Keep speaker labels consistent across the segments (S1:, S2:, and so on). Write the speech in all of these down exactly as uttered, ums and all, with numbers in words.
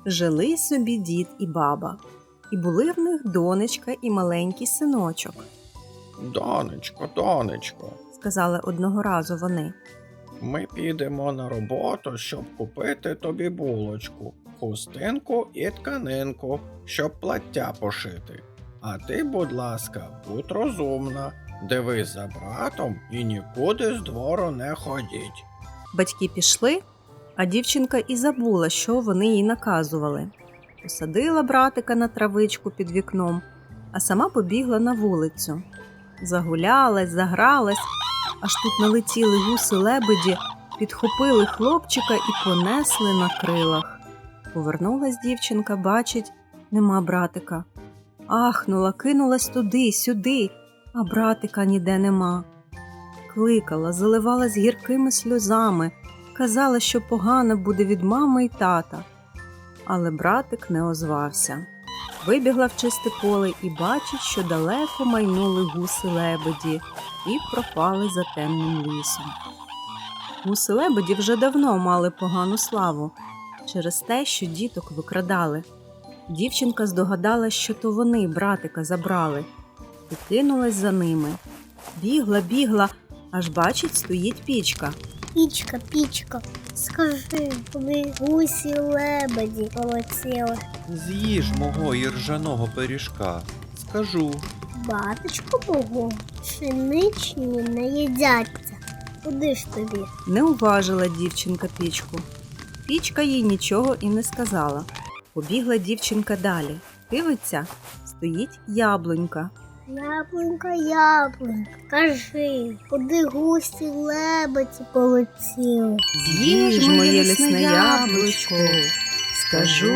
S1: Жили собі дід і баба, і були в них донечка і маленький синочок.
S2: Донечко, донечко,
S1: Сказали одного разу вони.
S2: ми підемо на роботу, щоб купити тобі булочку, хустинку і тканинку, щоб плаття пошити. А ти, будь ласка, будь розумна, дивись за братом і нікуди з двору не ходіть.
S1: Батьки пішли, а дівчинка і забула, що вони їй наказували. Посадила братика на травичку під вікном, а сама побігла на вулицю. Загулялась, загралась, аж тут налетіли гуси-лебеді, підхопили хлопчика і понесли на крилах. Повернулась дівчинка, бачить, нема братика. Ахнула, кинулась туди, сюди, а братика ніде нема. Кликала, заливалась гіркими сльозами, казала, що погано буде від мами й тата. Але братик не озвався. Вибігла в чисте поле і бачить, що далеко майнули гуси-лебеді і пропали за темним лісом. Гуси-лебеді вже давно мали погану славу через те, що діток викрадали. Дівчинка здогадалась, що то вони братика забрали, і кинулась за ними. Бігла, бігла, аж бачить, стоїть пічка.
S3: Пічка, пічка, скажи, куди гусі лебеді полетіли?
S4: З'їж мого іржаного пиріжка, скажу.
S3: Батечко Богу, пшеничні не їдяться. Куди ж тобі?
S1: Не уважила дівчинка пічку. Пічка їй нічого і не сказала. Побігла дівчинка далі. Дивиться, стоїть яблунька.
S3: Яблунька, яблунька, кажи, куди гусі лебеді полетіли?
S1: З'їж моє лісне яблучко, скажу.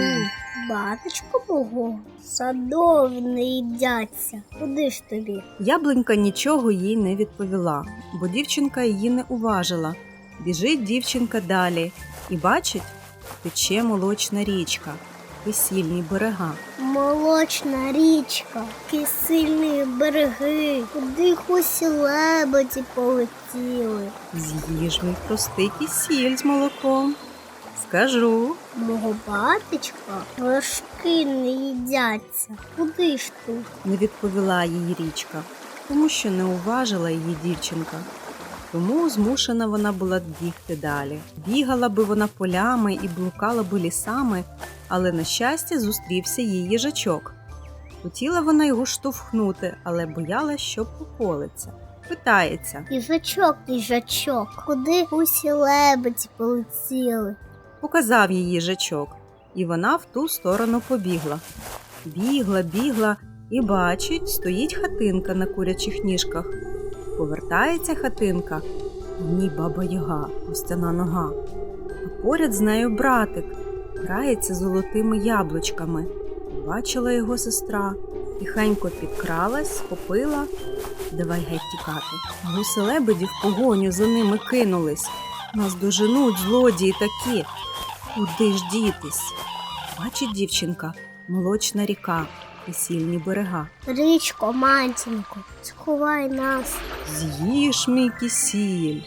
S3: Батечко Богу, садові не їдяться. Куди ж тобі?
S1: Яблунька нічого їй не відповіла, бо дівчинка її не уважила. Біжить дівчинка далі і бачить, тече молочна річка, весільні берега.
S3: Молочна річка, кисельні береги, куди гусі лебеді полетіли?
S1: З'їж мій простий кисіль з молоком, скажу.
S3: Мого батечка вершки не їдяться. Куди ж тут?
S1: Не відповіла їй річка, тому що не уважила її дівчинка. Тому змушена вона була бігти далі. Бігала би вона полями і блукала би лісами, але, на щастя, зустрівся їй їжачок. Хотіла вона його штовхнути, але боялась, що поколиться. Питається.
S3: Їжачок, їжачок, куди гусі лебеді полетіли?
S1: Показав їй їжачок, і вона в ту сторону побігла. Бігла, бігла і бачить, стоїть хатинка на курячих ніжках. Повертається хатинка, в ній баба-яга, костяна нога. А поряд з нею братик, грається золотими яблучками. Бачила його сестра, тихенько підкралась, схопила. Давай геть тікати. Гуси-лебеді в погоню за ними кинулись. Нас доженуть злодії такі. Куди ж дітись? Бачить дівчинка, молочна ріка, весільні берега.
S3: Річко, матінко, сховай нас.
S1: З'їж мій кисіль.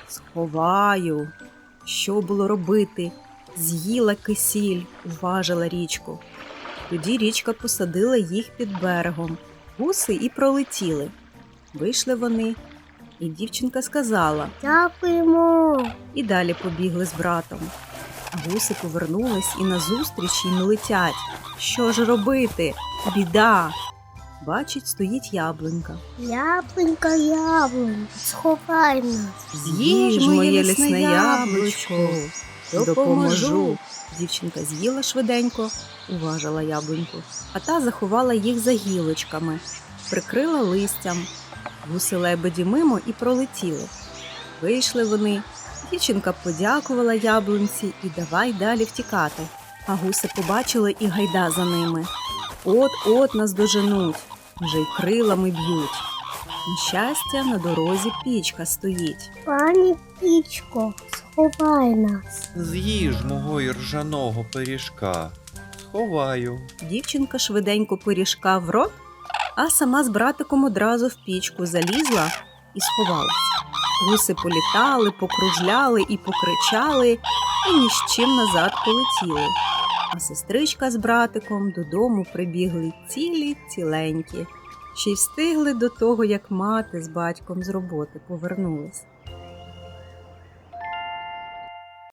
S1: Сховаю. Що було робити? З'їла кисіль, уважила річку. Тоді річка посадила їх під берегом. Гуси і пролетіли. Вийшли вони, і дівчинка сказала.
S3: Дякуємо.
S1: І далі побігли з братом. А гуси повернулись і назустріч їм летять. Що ж робити? Біда! Бачить, стоїть яблунька.
S3: Яблунька, яблунька, сховай нас.
S1: З'їж моє лісне яблучко, допоможу. Дівчинка з'їла швиденько, уважила яблуньку, а та заховала їх за гілочками, прикрила листям. Гуси-лебеді мимо і пролетіли. Вийшли вони. Дівчинка подякувала яблунці і давай далі втікати. А гуси побачили і гайда за ними. От-от нас доженуть, вже й крилами б'ють. На щастя, на дорозі пічка стоїть.
S3: Пані пічко, сховай нас.
S4: З'їж мого іржаного пиріжка, сховаю.
S1: Дівчинка швиденько пиріжка в рот, а сама з братиком одразу в пічку залізла і сховалась. Гуси політали, покружляли і покричали, і ні з чим назад полетіли. А сестричка з братиком додому прибігли цілі ціленькі. Ще й встигли до того, як мати з батьком з роботи повернулись.